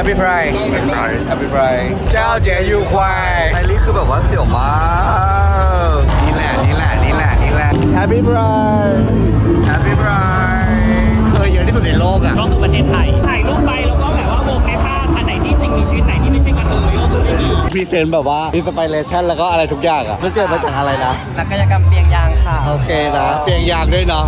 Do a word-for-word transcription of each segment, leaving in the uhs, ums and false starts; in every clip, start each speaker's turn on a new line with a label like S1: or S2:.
S1: Happy Pride Happy Pride เจ้าเจ๋ยูควายไอรี่คือแบบว่าเสี่ยวมากนี่แหละนี่แหละนี่แหละนี่แหละ Happy Pride Happy Pride เคยเยอะที่สุดในโลกอ่ะ
S2: ก็คือประเทศไทยถ่ายรูปไปแล้วก็แบบว่าวงในภาพอันไหนที่สิ่งมีชีวิตไหนที่ไม่ใช่กระเทยก็คือไม่มี
S1: พรีเซนต์แบบว่าอินสปิเรชันแล้วก็อะไรทุกอย่างอ่ะมันเกิดมาจากอะไรนะ
S2: ศัลยกรรมเปียงยางค่ะ
S1: โอเคนะเปียงยางด้วยเนาะ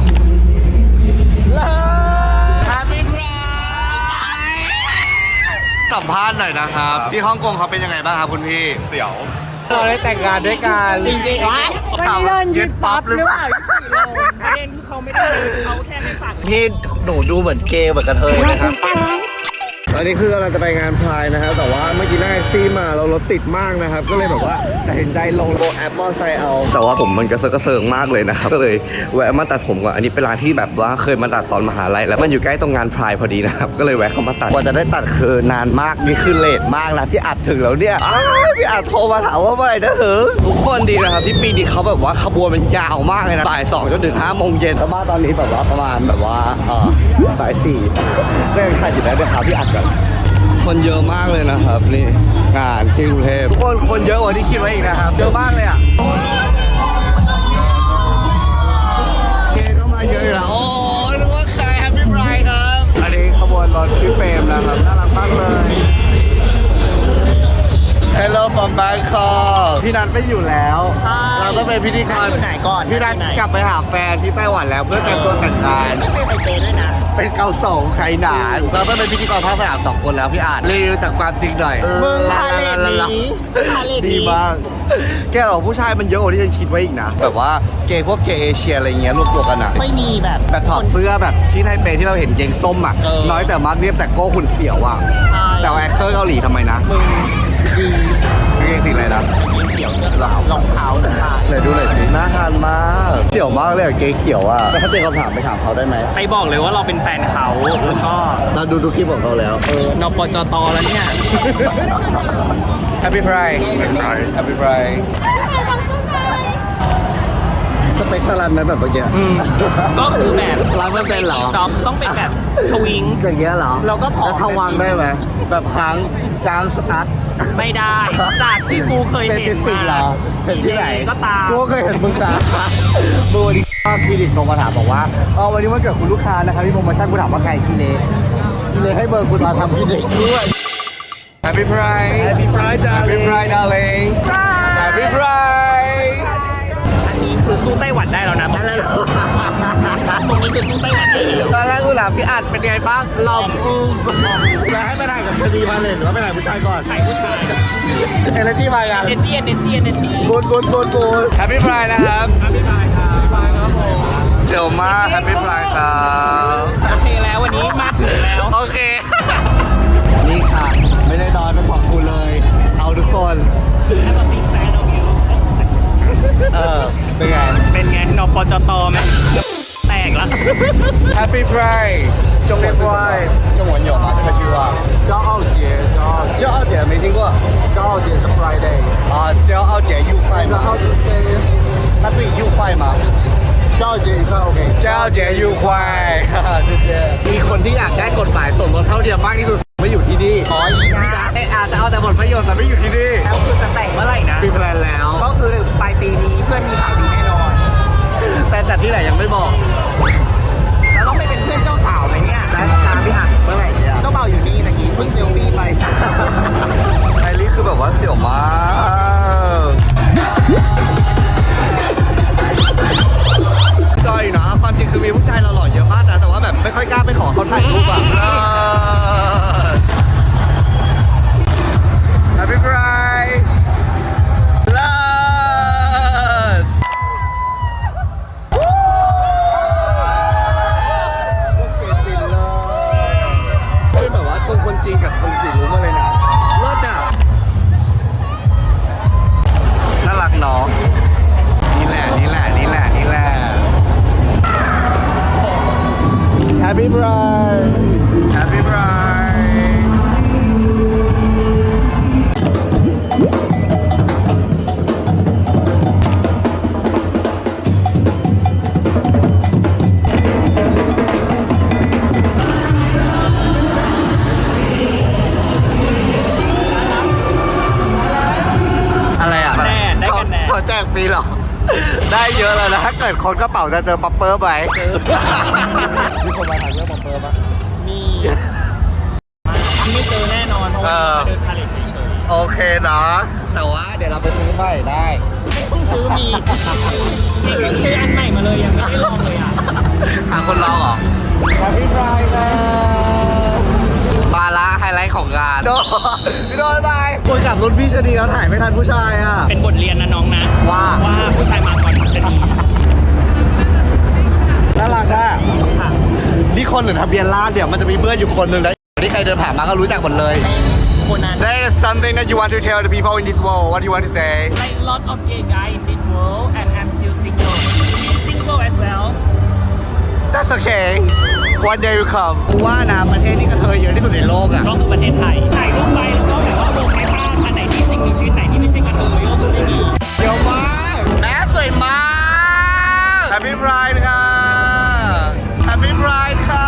S1: สัมภาษณ์หน่อยนะครับที่ฮ่องกงเขาเป็นยังไงบ้างครับคุณพี่เสี่ยวเราได้แต่งงานด้วยกัน
S2: จริงๆวะ
S1: ถามว่ายึดปั๊บหรือเปล่า
S2: ประเด็นคือเขาไม่ได้เขาแค่ไม่ฝาก
S1: พี่หนูดูเหมือนเกย์เหมือนกระเทยนะครับตอนนี้คือกำลังจะไปงานพายนะครับแต่ว่าเมื่อกี้นั่งแท็กซี่มาเรารถติดมากนะครับก็เลยแบบว่าตัดสินใจลงโบแอปมอไซค์เอาแต่ว่าผมมันกระเซาะกระเซิงมากเลยนะครับก็เลยแวะมาตัดผมก่อนอันนี้เป็นร้านที่แบบว่าเคยมาตัดตอนมหาลัยแล้วมันอยู่ใกล้ตรงงานพายพอดีนะครับก็เลยแวะเข้ามาตัดกว่าจะได้ตัดคือนานมากนี่คือเลทมากนะที่อัดถึงแล้วเนี่ยพี่อัดโทรมาถามว่าเมื่อไหร่จะถึงทุกคนดีนะครับที่ปีนี้เขาแบบว่าขบวนมันยาวมากเลยนะบ่ายสองจนถึงห้าโมงเย็นแต่ว่าตอนนี้แบบว่าประมาณแบบว่าเออบ่ายสี่ก็ยังถ่ายอยู่แล้วด้วยครับที่อัดกันคนเยอะมากเลยนะครับนี่งานที่กรุงเทพทุกคนคนเยอะกว่าที่คิดไว้อีกนะครับเยอะมากเลยอ่ะเกย์ก็มาเยอะอยู่แล้วโอ้นึกว่าใครแฮปปี้ไบรท์ครับอันนี้ขบวนรถพี่เฟรมนะครับน่ารักมากเลย Hello from Bangkok พี่นัทไม่อยู่แล้วเราต้องเป็นพิธีกร
S2: ไหนก่อน
S1: พี่นัทกลับไปหาแฟนที่ไต้หวันแล้วเพื่อแต่งตัวแต่งงาน
S2: ไม่ใช่ไทเปด้วยนะ
S1: เป็นเกาสงไข่หนานเราต้องเป็นพิธีกรภาคสนามสองคนแล้วพี่อาจรีวิวจากความจริงหน่อย
S2: มึงพาเลทนี้พาเลท
S1: ดีมากแกบอกผู้ชายมันเยอะกว่าที่ฉันคิดไว้อีกนะแบบว่าเกย์พวกเกย์เอเชียอะไรเงี้ยรวมตัวกันอะ
S2: ไม่มีแบบ
S1: แบบถอดเสื้อแบบที่ไทเปที่เราเห็นเกงส้มอะน้อยแต่มากเรียบแต่โก้หุ่นเสียวอะแต่แอคเคอร์เกาหลีทำไมนะ
S2: มึงดี
S1: เกงสีอะไรนะ
S2: เขียวเสื้อขาวรองเท้าหรือเปล่า
S1: ไหนดูหน่อยสิน่าทานมากเขียวมากเลยเกงเขียวอะแต่ถ้าเตะคำถามไปถามเขาได้ไหม
S2: ไปบอกเลยว่าเราเป็นแฟนเขาแล้วก็
S1: เราดูดูคลิปของเขาแล้ว
S2: เออนปจตแล้วเนี่ย
S1: Happy Pride Happy Pride สเปคสลันไหมแบบเมื่อกี้
S2: ก็คือแบบ
S1: ร้านไม่เป็นเหรอ
S2: จอมต้องเป็นแบบชวิง
S1: อย่างเงี้ยเหรอ
S2: เราก็พอ
S1: ทวังได้ไหมแบบพังจามสตั๊ด
S2: ไม่ได้จากที่กูเคยเห็นมา
S1: เห็นที่ไหน
S2: ก็ตาม
S1: กูเคยเห็นมึงสาบูดีคลินิกโทรมาถามบอกว่าเออวันนี้วันเกิดคุณลูกค้านะครับที่โปรโมชั่นกูถามว่าใครกินเองกินเองให้เบอร์กูตอนทำคลินิกด้วย Happy Pride
S2: Happy Pride
S1: Happy Pride darling Happy Pride
S2: อันนี้คือสู้ไต้หวันได้แล้วนะตรงนี้คือสู้ไต้หวันได้แล้ว
S1: ตอนแรกกูถามพี่อัดเป็นไงบ้างลองอูมแล้วให้ไปถ่ายกับชดีมาเลยหรือว่าไปถ่ายผู้ชายก่อน
S2: ถ่ายผู้ชาย
S1: เอเนจีมาอย่าง
S2: เอเนจีเอเนจีเอเนจี
S1: บูนบูนบูนบูน Happy Pride นะครับ
S2: Happy Pride ครับ Happy Pride ครับผม
S1: เจ๋วมาก Happy Pride ครับ
S2: โอเคแล้ววันนี้มาถึงแล้ว
S1: โอเคนี่ค่ะไม่ได้นอนไม่ขอบคุณเลยเอาทุกคน
S2: แล้วก็เป็นแฟนเอาอยู่
S1: เออเป็นไง
S2: เป็นไงนปจตไหมแตกละ
S1: Happy Pride 中国 Pride 中文有吗这个句话
S3: 骄傲节骄傲
S1: 骄傲节没听过
S3: 骄傲节是 Friday
S1: 啊骄傲节愉快吗
S3: How to say
S1: 它对愉快吗
S3: 骄傲节愉快 OK
S1: 骄傲节愉快谢谢มีคนที่อยากได้กฎหมายส่วนลดเท่าเทียมมากที่สุดไม่อยู่ที่นี่
S2: อ๋ออีกนะ
S1: เอออาจจะเอาแต่ผลประโยชน์แต่ไม่อยู่ที่นี่
S2: แล้วคือจะแต่งเมื่อไหร่นะ
S1: มีแพลนแล้ว
S2: ก็คือปลายปีนี้เพื่อนมีข่าวดีแน่นอน
S1: แต่จัดที่ไหนยังไม่บอก
S2: แล้วต้องไปเป็นเพื่อนเจ้าสาวไหมเนี่ย
S1: และตามพี่อัดเมื่อไหร่เนี่ย
S2: เจ้าบ่าวอยู่นี่ตะกี้เพิ่งเซลฟี่ไป
S1: ไอรี่คือแบบว่าเสี่ยวมากจอยนะความจริงคือมีผู้ชายหล่อๆเยอะมากนะแต่ว่าแบบไม่ค่อยกล้าไปขอเขาถ่ายรูปอ่ะHappy Pride เลิศเป็นแบบว่าคนคนจีนกับคนสีรู้มาเลยนะเลิศอ่ะน่ารักเนาะนี่แหละนี่แหละนี่แหละนี่แหละ Happy Pride Happy Pride ได้เยอะแล้วนะถ้าเกิดคนกระเป๋าจะเจอป๊อปเปอร์ไหมเจอมีคนมาถามเรื่องป๊อปเปอร์ปะ
S2: มีไม่เจอแน่นอนเพราะว่ามาเดินพาเลทเฉย
S1: โอเคนะแต่ว่าเดี๋ยวเราไปซื้อใหม่ได้
S2: ๆเพิ่งซื้อมีจริงๆซื้ออันใหม่มาเลยยังไม่ได้ลองเลยอ่ะ
S1: หาคนลองเหรอมาพี่พรายนะมาละไฮไลท์ของงานโดพี่โดนไปคุยกับรุ่นพี่ชนีแล้วถ่ายไม่ทันผู้ชายอ่ะ
S2: เป็นบทเรียนนะน้องนะ
S1: ว่า
S2: ว่าผู้ชายมาก่อนชะนี
S1: น่ารักอ่ะ
S2: ค่ะ
S1: นี่คนหรือทะเบียนราษฎร์เดี๋ยวมันจะมีเพื่อนอยู่คนหนึ่งนะที่ใครเดินผ่านมาก็รู้จักหมดเลย
S2: คนนั้น
S1: There is something that you want to tell the people in this world. What do you want to say?
S2: like lot of gay guy in this world and I'm still single he's single as well
S1: That's okay. One day will come. กูว่านะประเทศที่กระเทยเยอะที่สุดในโลกอ่ะ
S2: ก็คือประเทศไทยถ่ายรูปไปแล้วก็แบบว่าลงในภาพอันไหนที่สิ่งมีชีวิตไหนที่ไม่ใช่กระเทยก็คือไม่มี
S1: เดี๋ยวมากแม่สวยมาก Happy Pride ค่ะ Happy Pride ค่ะ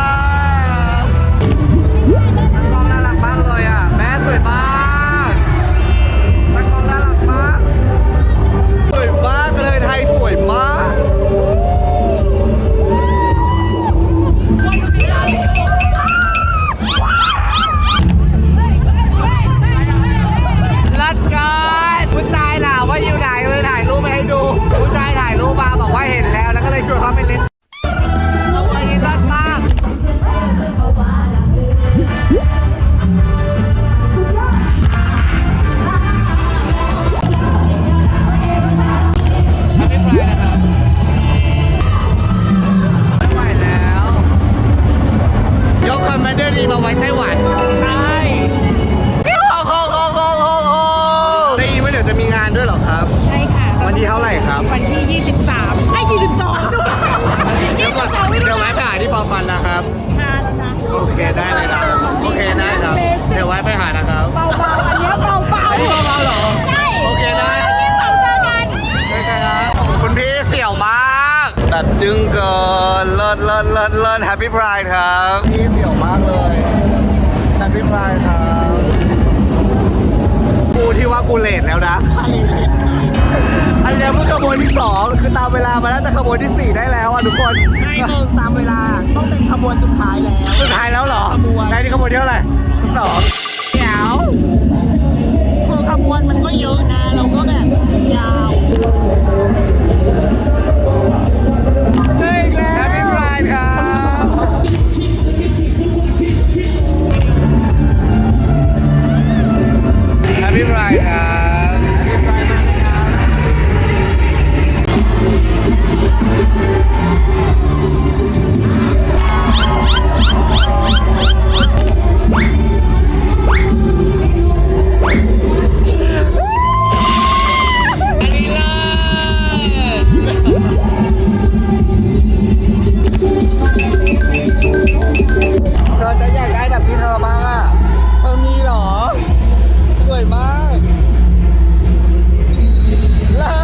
S1: กล้องน่ารักมากเลยอ่ะแม่สวยมากกล้องน่ารักมากสวยมากเลยไทยสวยมากรัดกันผู้ชายถามว่าอยู่ไหนเลยถ่ายรูปไปให้ดูผู้ชายถ่ายรูปมาบอกว่าเห็นแล้วแล้วก็เลยชวนเขาไปเล่นเอาไว้รัดมากไม่ไปนะครับไม่ไหวแล้วยกคอมมานเดอร์ดีมาไว้ไต้หวัน
S2: ใช่
S1: โอ้โหโอ้โหโอ้โหได้ยินว่าเดี๋ยวจะมีงานด้วยเหรอครับ
S4: ใช่ค่ะ
S1: วันที่เท่าไหร่ครับ
S4: วันที่ ยี่สิบสามไอ้ยี่สิบสองด้วย
S1: เดี๋ยวก่อนเดี๋ยวไว้ไปหาที่ปอปันนะครับ
S4: มาแล้วนะ
S1: โอเคได้เลยนะโอเคได้ครับ เดี๋ยวไว้ไปหานะครับ
S4: เบาๆอันเนี้ยเบาๆ
S1: อันนี้เบาๆเหรอ
S4: ใช่
S1: โอเคได้
S4: ยี่สิบสองเจอกัน
S1: ได้ครับคุณพี่เสี่ยวมากแบบจึ้งเกินเลิศเลิศเลิศเลิศแฮปปี้พรายครับพี่เสี่ยวมากเลยแฮปปี้พรายครับกูที่ว่ากูเลทแล้วนะ อันเนี้ยเพิ่งขบวนที่สองคือตามเวลามาแล้วแต่ขบวนที่สี่ได้แล้วอ่ะทุกคน
S2: ไม่เพิ่งตามเวลาต้องเป็นขบวนสุดท้ายแล้ว
S1: สุดท้ายแล้วเหรอ
S2: ขบวน
S1: ในที่ขบวนที่เท่าไหร่สองเดี๋ยว
S2: คือขบวนมันก็เยอะนะเราก็แบบยาว
S1: ใช่แล้วแฮปปี้พรายครับแฮปปี้พรายครับเธอฉันอยากได้แบบที่เธอบ้างอ่ะเธอมีเหรอ สวยมากเลิ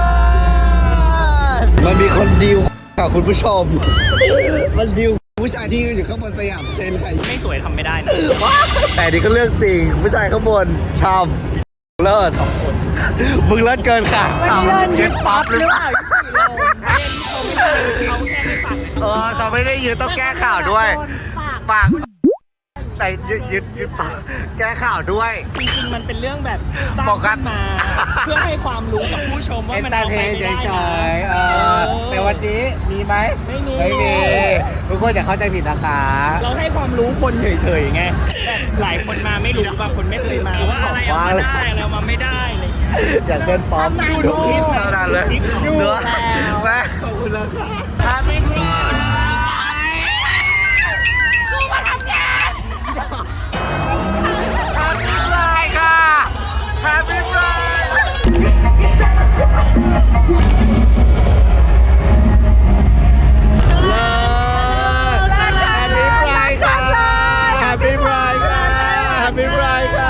S1: ศมันมีคนดิวกับคุณผู้ชม มันดิวผู้ชายที่อยู่ข้างบนสยามเซนใคร
S2: ไม่สวยทำไม่ได้นะ
S1: แต่นี่ก็เรื่องจริง ผู้ชายข้างบนชอบเลิศสองคน มึงเลิศเกินค่ะเก็ตป๊อปหรือเปล่า
S2: เขาแค่ไม่ปัก
S1: เออเขาไม่ได้ยืนต้องแก้ข่าวด้วย ปาก แต่ยึดยึดยึดปากแก้ข่าวด้วย
S2: จริงๆมันเป็นเรื่องแบบสร้าง
S1: บอกกั
S2: ขึ้
S1: น
S2: นมา เพื่อให้ความรู้กับผู้ชมว่ามันเอาไปไม่ได้นะ
S1: เออแต่วันนี้มีไหม
S2: ไม่มี
S1: ไม่มีทุกคนอย่าเข้าใจผิดนะคะ
S2: เราให้ความรู้คนเฉยๆไงแบบหลายคนมาไม่รู้บางคนไม่เคยมาว่าอะไรเอามาได้อะไรเอามาไม่ได้อะไรอย่างเงี้ย
S1: อย่าเส้นปลอม
S2: ดูดู
S1: เท่านั้นเลย
S2: ดู
S1: เนื้อ
S2: แล้ว
S1: แม่ขอบคุณแล้วค่ะทำไม่ได้กูมาทำงาน Happy Pride ค่ะ Happy Pride เลิศ Happy Pride ค่ะ Happy Pride ค่ะ Happy Pride ค่ะ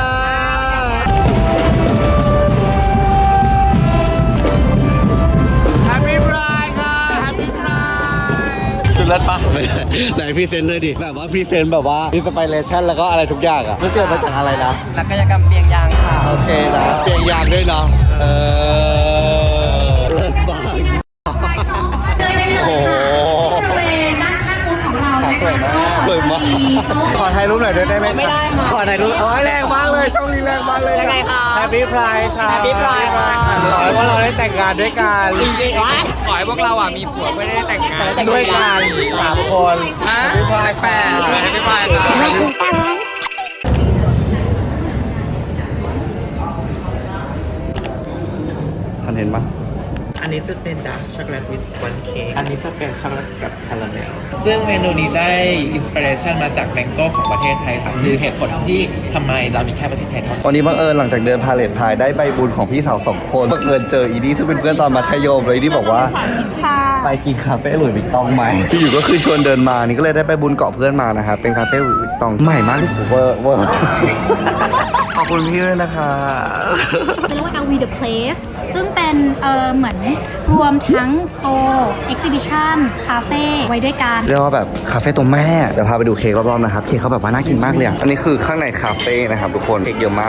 S1: Happy Pride ค่ะ Happy Pride สุดเลิศปะไหนพรีเซนต์เลยดิแบบว่าพรีเซนต์แบบว่าอินสไปเรชั่นแล้วก็อะไรทุกอย่างอ่ะมันเกิดมาจากอะไรนะ
S2: นักกายกรรมเปียงยางค่ะ
S1: โอเคนะเปลี่ยนยางด้วยเนาะเออเลิศมากขอถ่ายรูปหน่อยได้ไหม
S2: ไม่ได้ค่ะ
S1: ขอถ่ายรูปโอ้ยแรงมากเลยช่องนี้แรงมากเลย
S2: ยังไงคะ
S1: แฮปปี้พรายค่ะ
S2: Happy Pride ค่ะ
S1: ขอให้ว่าเราได้แต่งงานด้วยกัน
S2: จริงๆวะ
S5: ขอให้พวกเราอ่ะมีผัวเพื่อได้แต่งงาน
S1: ด้วยกันสามคน
S5: ฮะ
S1: แฮปปี้พราย
S5: แปดไม่ได้พายครับ
S1: ท่านเห็นปะ
S5: อันนี้จะเป็นดาร์กช็อกโกแลตวิสวันเค้กอันนี้จะเป็นช็อกโกแลตกับคาราเมลซึ่งเมนูนี้ได้อินสปิเรชันมาจากแมงโก้ของประเทศไทยค่ะคือเหตุผลที่ทำไมเรามีแค่ประเทศไทยเท่านั้น
S1: วันนี้บังเอิญหลังจากเดินพาเลทพายได้ใบบุญของพี่สาวสองคนบังเอิญเจออีดี้ซึ่งเป็นเพื่อนตอนมัธยมเลยอีดี้บอกว่าไปกินคาเฟ่หลุยส์วิกตองไหมที่อยู่ก็คือชวนเดินมานี่ก็เลยได้ไปบุญเกาะเพื่อนมานะครับเป็นคาเฟ่หลุยส์วิกตองใหม่มากที่สุดเวอร์เวอร์ขอบคุณพี่ด้วยนะคะ
S6: จะเรียกว่า แอล วี The Place ซึ่งเป็นเอ่อเหมือนรวมทั้ง Store Exhibition คาเฟ่ไว้ด้วยกัน
S1: เรียกว่าแบบคาเฟ่ตัวแม่เดี๋ยวพาไปดูเค้กรอบๆนะครับเค้กเขาแบบว่าน่ากินมากเลยอ่ะอันนี้คือข้างในคาเฟ่นะครับทุกคนเค้กเยอะมาก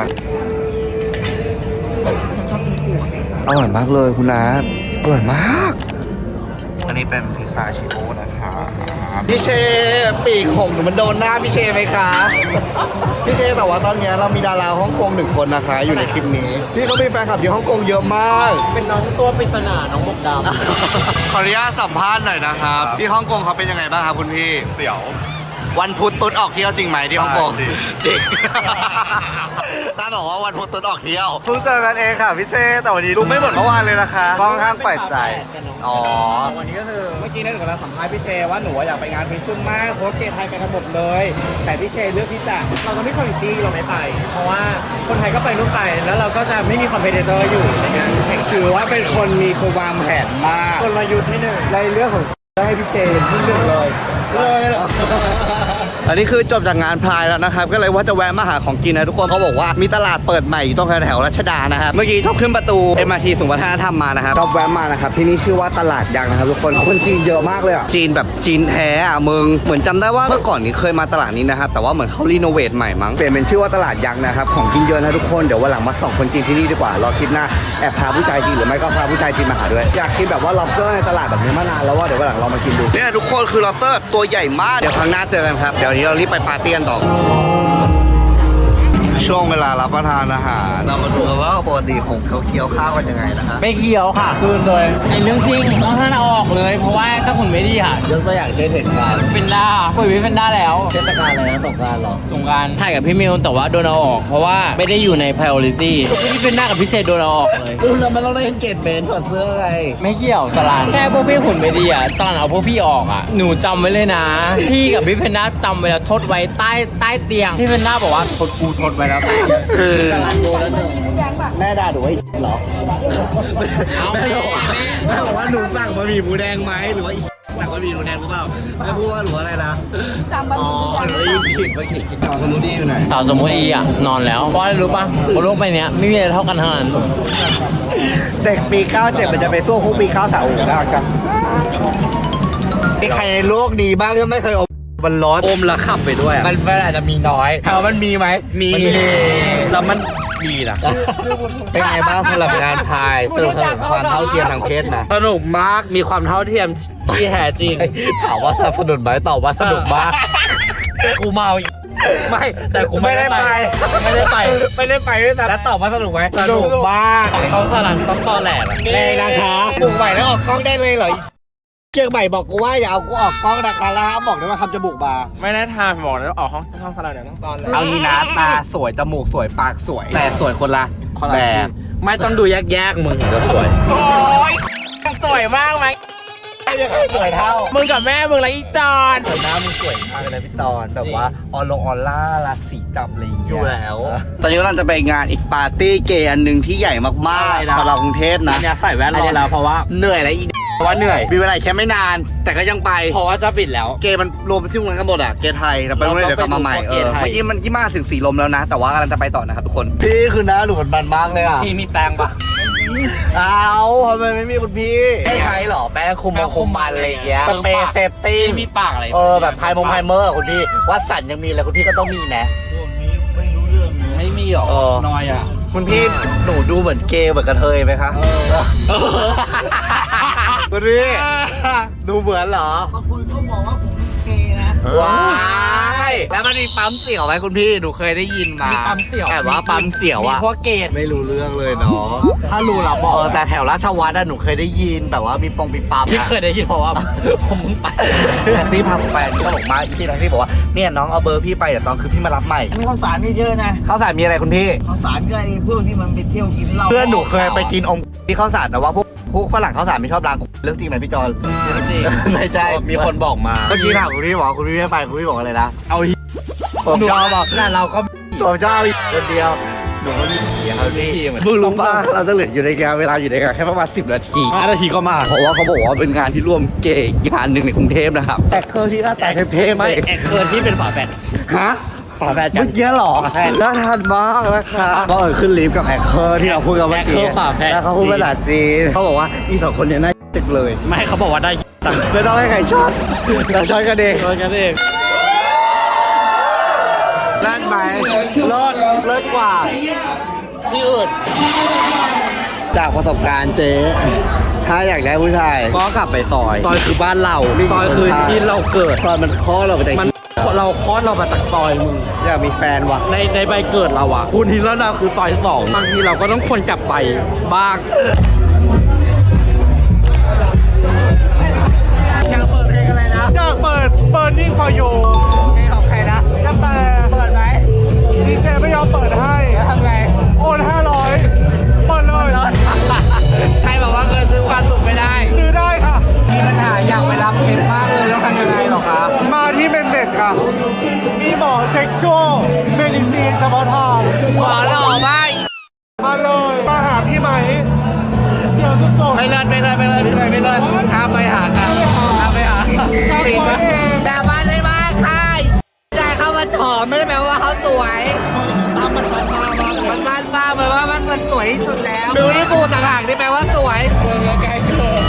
S1: อร่อยมากเลยคุณนัทอร่อยมากอันนี้เป็นพิซซ่าชิโอนะคะพี่เชปีกของหนูมันโดนหน้าพี่เชไหมคะพี่เชแต่ว่าตอนนี้เรามีดาราฮ่องกงหนึ่งคนนะคะ อยู่ในคลิปนี้พี่เขามีแฟนคลับอยู่ฮ่องกงเยอะมาก
S2: เป็นน้องตัวปริศนาน้องมกดำ
S1: ขออนุญาตสัมภาษณ์หน่อยนะครับที่ฮ่องกงเขาเป็นยังไงบ้างครับคุณพี่เสี่ยววันพุธตุ๊ดออกเที่ยวจริงไหมที่ฮ่องกงจริงตาบอกว่าวันพุธตุ๊ดออกเที่ยวเพิ่งเจอกันเองค่ะพี่เชแต่วันนี้ดูไม่เหมือนเมื่อวานเลยนะคะค่อนข้างแปลกใจอ๋อวันนี้ก็คือเมื่อกี้เนี่ยหนูกำลังสัมภาษณ์พี่เชว่าหนูอยากไปงานพริซึมมากเพราะเกย์ไทยไปกันหมดเลยแต่พี่เชเลือกที่จะเราจะไม่คอมมิตี้เราไม่ไป เพราะว่าคนไทยก็ไปนู่นไปแล้วเราก็จะไม่มีคอมเพลเตอร์อยู่ในงานแข่งถือว่าเป็นคนมีคนวางแผนมากกลยุทธ์ให้หนึ่งในเรื่องของให้พี่เชเป็นผู้เลือกเลยเลยอันนี้คือจบจากงานพายแล้วนะครับก็เลยว่าจะแวะมาหาของกินนะทุกคนเขาบอกว่ามีตลาดเปิดใหม่อยู่ตรงแถวๆรัชดานะครับเมื่อกี้ชอบขึ้นประตู เอ็ม อาร์ ที ศูนย์วัฒนธรรมมานะครับชอบแวะมานะครับที่นี่ชื่อว่าตลาดยางนะครับทุกคนคนจีนเยอะมากเลยอ่ะจีนแบบจีนแท้อ่ะมึงเหมือนจำได้ว่าเมื่อก่อนนี้เคยมาตลาดนี้นะครับแต่ว่าเหมือนเขารีโนเวทใหม่มั้งเปลี่ยนเป็นชื่อว่าตลาดยางนะครับของกินเยอะนะทุกคนเดี๋ยววันหลังมาส่องคนจีนที่นี่ดีกว่ารอคลิปหน้าแอบพาผู้ชายจีนหรือไม่ก็พาผู้ชายจีนมาหาด้วยอยากกินแบบว่า lobster ในตลาดแบบนี้มานานแล้วว่าเดี๋ยววันหลังเรามากินดูเนี่ยทุกคนคือ lobster แบบตัวใหญ่มากเดี๋ยวครั้งหน้าเจอกันครับเดี๋ยวนี้เรารีบไปปาร์ตี้กันต่อช่วงเวลารับประทานอาหารเรามาดูกันว่าปกติของเขาเคี้ยวข้าวกันยังไงนะฮะ
S2: ไม่เกี่ยวค่ะคืนเลยไอ้เรื่องจริงต้องท่านเอาออกเลย เพราะว่าถ้าคุณไม่ดีค่ะ
S1: ยกตัวอย่างเช่นเหตุการณ์
S2: เป็นด้าคุยวิเป็นด้าแล้ว
S1: เทศกาลอะไรนะสงกรานต์เหรอ
S2: สงกรารถ่ายกับพี่มิวแต่ว่าโดนเอาออก เพราะว่าไม่ได้อยู่ใน priority พี่เป็นด้ากับพี่เชษโดนเอาออกเลย
S1: อู้แล้วมันเราได้เกตเบนถอดเสื้อไง
S2: ไม่เกี่ยวสลานแค่พวกพี่หุ่นไม่ดีอ่ะสลานเอาพวกพี่ออกอ่ะหนูจำไว้เลยนะ พี่กับพี่เพนด้าจำไว้แล้วทดไว้ใต้ใต้เตียงพี่เพนด้าบอกว่าทดกูทดไว้แล้ว
S1: แม่ด่าหนูว่าไอ้เหรอ
S2: เอา
S1: แม่
S2: แม่
S1: บอกว่าแม่บอกว่าหนูสั่งบะหมี่หมูแดงไหมหรือว่าไอ้สั่งบะหมี่หมูแดงหรือเปล่าแม่พูดว่าหนูอะไรนะสั่งบะหมี่อ๋อหนูได้ยินผิดเมื่อกี้ต่อสมุนไพรอยู่ไหน
S2: สาวสมมติอีอ่ะนอนแล้วเพราะอะไรรู้ป่ะบนโลกใบเนี้ยไม่มีอะไรเท่ากันทั้งนั้น
S1: เด็กปีเก้าเจ็ดมันจะไปสู้พวกปีเก้าสาวได้กันมีใครในโลกนี้บ้างที่ไม่เคยอมมันร้อนอมแล้วขับไปด้วยมันมันอาจจะมีน้อยถามว่ามันมีไหมมีแล้วมันดีนะเป็นไงบ้างสำหรับงานพายสนุกสนุกความเท่าเทียมทางเพศนะ
S2: สนุกมากมีความเท่าเทียมที่แท้จริง
S1: ถามว่าสนับสนุนไหมตอบว่าสนุกมากกูเมาอีก
S2: ไม่แต่กู
S1: ไม่ได้ไป
S2: ไม่ได้ไป
S1: ไม่ได้ไปด้วยแต่แล้วตอบว่าสนุกไหมสนุกมาก
S2: เขาสลันต้องตอแหลก
S1: เลยนะคะปลูกใหม่แล้วออกกล้องได้เลยเหรอเกียงใหม่บอกกูว่าอย่าเอากูออกกล้องนะคะแล้วบอกได้ว่าคำจมูกบา
S2: ไม่ได้ทำบอกแล้วออกห้องห้องสลันเดี๋ยวต้องตอนเลย
S1: เอางี้นะตาสวยจมูกสวยปากสวย แต่สวยคนละแบบ
S2: ไม่ต้องดูแยกๆมึงเดี๋ยวสวยโอ้ยสวยมากไหม
S1: ไม่มีใครสวยเท่า
S2: มึงกับแม่มึงละอีจอน
S1: สวยหน้ามึงสวยมากเลยนะพี่ตอนแบบว่าออลงออล่าราศีจับอะไรอย่างเงี้ย
S2: อยู่แล้ว
S1: ตอนนี้เราจะไปงานอีกปาร์ตี้เกย์อันหนึ่งที่ใหญ่มากๆสำหรับกรุงเทพนะ
S2: เนี่ยใส่แว่นรอแล้วเพราะว่า
S1: เหนื่อยแล้วอี
S2: เพราะว่าเหนื่อย
S1: มีเวลาแค่ไม่นาน แต่ก็ยังไป
S2: เพราะว่าจะปิดแล้ว
S1: เกย์มันรวมไปที่มันกันหมดอ่ะเกย์ไทยเราไปเมื่อเดี๋ยวกลับมาใหม่เออ
S2: เราต้องไปดูเกย์ไทย
S1: เมื่อกี้มันกี่มาถึงสีลมแล้วนะ แต่ว่ากำลังจะไปต่อนะครับทุกคนพี่คือหน้าหนูมันมันมากเลยอ่ะ
S2: ที่มีแปลงปะ
S1: เอาทำไมไม่มีคุณพี่ไม่ใช้หรอแป้งคุมมันคุมมันอะไรอย่างเงี้ยสเปรย์เซฟตี้
S2: ที่มีปากอะไร
S1: เออแบบไพมงไพเมอร์คุณพี่วัดสันยังมีเลยคุณพี่ก็ต้องมีนะ
S2: ไม่มีหรอ
S1: เออ
S2: น้อยอ่ะ
S1: คุณพี่หนูดูเหมือนเกย์เหมือนกระเทยไหมคะคุณพี่ดูเหมือนเหรอ
S5: คุณเขาบอกว่าผมเกย์นะ
S1: เว้ายแล้วมันมีปั๊มเสี่ยวไหมคุณพี่หนูเคยได้ยินมา
S2: มีปั๊มเสี่ยว
S1: แต่ว่าปั๊มเสี่ยว
S2: มี
S1: อะ
S2: พวกเกต
S1: ไม่รู้เรื่องเลยเนาะถ้ารู้เราบอกเออแต่แถวราชวัฒน์อะหนูเคยได้ยินแบบว่ามีปงมีปั๊ม
S2: พี่
S1: อะ
S2: เคยได้ยินเพราะว่า ผมมึงไป
S1: แท็กซี่พาผมไปอันนี้ตลกมากพี่แท็กซี่บอกว่าเนี่ยน้องเอาเบอร์พี่ไปเดี๋ยวตอนคือพี่มารับใหม่
S2: มีข้าวสารนี่เยอะนะ
S1: ข้าวสารมีอะไรคุณพี่
S2: ข้าวสารก็ไอ้พวกที่มันไปเที่ยวกินเหล้า
S1: เพื่อนหนูเคยไปกินอมที่ข้าวสารแต่ว่าพวกพวกฝรั่งข้าวสารไม่ชอบล้างเรื่องจริงไหมพี่จอน
S2: จริง
S1: ไม่ใช่
S2: มีคนบอกมา
S1: เมื่อกี้ถามคุณพี่บอกคุณพี่ไม่ไปคุณพี่บอกอะไรนะ
S2: เอา
S1: ผมชอบบอก
S2: น่ะเราก็
S1: ผมชอบคนเดียวหนูก็มีเดียวครับพี่เพิ่งรู้ป่ะเราจะเหลืออยู่ในงานเวลาอยู่ในงานแค่ประมาณสิบนาที
S2: ห้านาทีก็มา
S1: เพราะว่าเขาบอกว่าเป็นงานที่ร่วมเกย์งานหนึ่งในกรุงเทพนะครับแต่เคอร์ที่หน้าตาเท่ๆ
S2: ไม่
S1: ไม่
S2: แอกเคิร์นที่เป็นฝาแฝด
S1: ฮะ
S2: ฝาแฝดกัน
S1: เมื่อกี้เหรอ
S2: ฝาแฝด
S1: น่าทานมากนะครับก็เออขึ้นลิฟต์กับแอคเคอร์ที่เราพูดกันเมื่อ
S2: แอคเคอ
S1: กี้
S2: ร์ฝาแฝด
S1: แล้วเขาพูดภาษาจีนเขาบอกว่าอีสองคนเนี้น่าจังเลย
S2: ไม่เขาบอกว่าได้ตังค์
S1: ไม่ต้องให้ใครช็อตเราช็อตกันเอง
S2: โดนกันเอง
S1: นั่นไหมเลิศเลิศกว่า
S2: ที่อื่น
S1: จากประสบการณ์เจ๊ถ้าอยากได้ผู้ชาย
S2: ก็กลับไปซอย
S1: ซอยคือบ้านเรา
S2: ซอยคือที่เราเกิด
S1: ซอยมันข้อเราไปแต่
S2: มันเราคลอดเรามาจากซอยมึง
S1: อยากมีแฟนวะ
S2: ในในใบเกิดเราอะคุณทีแล้วเราคือซอยสองบางทีเราก็ต้องควรกลับไปบ้าง
S3: อยากเปิด Burning for you
S2: เพลงของใครนะ
S3: ก็แต่
S2: เปิดไหม
S3: ดีเจไม่ยอมเปิดให้
S2: ทำไง
S3: โอนห้าร้อยเปิดเลย
S2: ใครบอกว่าเงินซื้อความสุขไม่ได้
S3: ซื้อได้ค่ะ
S2: มีปัญหาอยากไปรับเพชรมากเลยแล้วทำยังไงหรอครับ
S3: มาที่เมนเด็ดค่ะ มีหมอเซ็กชวลเมดิซีนเฉพาะทาง
S2: หมอหล่อมาก
S3: มาเลย มาหาพี่ไหมเดี๋ยวสุดๆ
S2: ไม่เลิศไม่เลิศไม่เลิศไม่เลิศไม่เลิศห้ามไปหากันห้ามไปหาจริงปะแต่บ้านได้มากค่ะได้เข้ามาถอมไม่ได้แปลว่าเขาสวยตามมันบ้านบ้ามันบ้านบ้าแปลว่ามันมันสวยที่สุดแล้วดูที่กูต่างหากที่แปลว่าสวยเกินไกลเกิน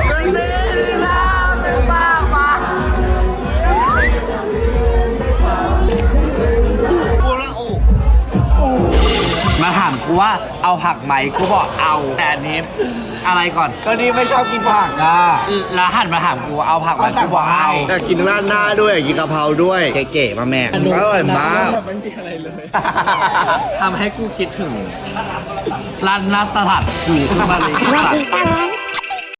S2: มาถามกูว่าเอาผักไหมกูบอกเอาแต่อันนี้อะไรก่อน
S1: ก็นี่ไม่ชอบกินผักอ่ะ
S2: แล้วหันมาถามกูเอาผักไหมกูบอกเอา
S1: อยากกินราดหน้าด้วยอยากกินกะเพราด้วยเก๋ๆมาแม่อร่อยมาก
S2: ทำให้กูคิดถึงร้านหน้าตลาดกูขึ้นมาเลย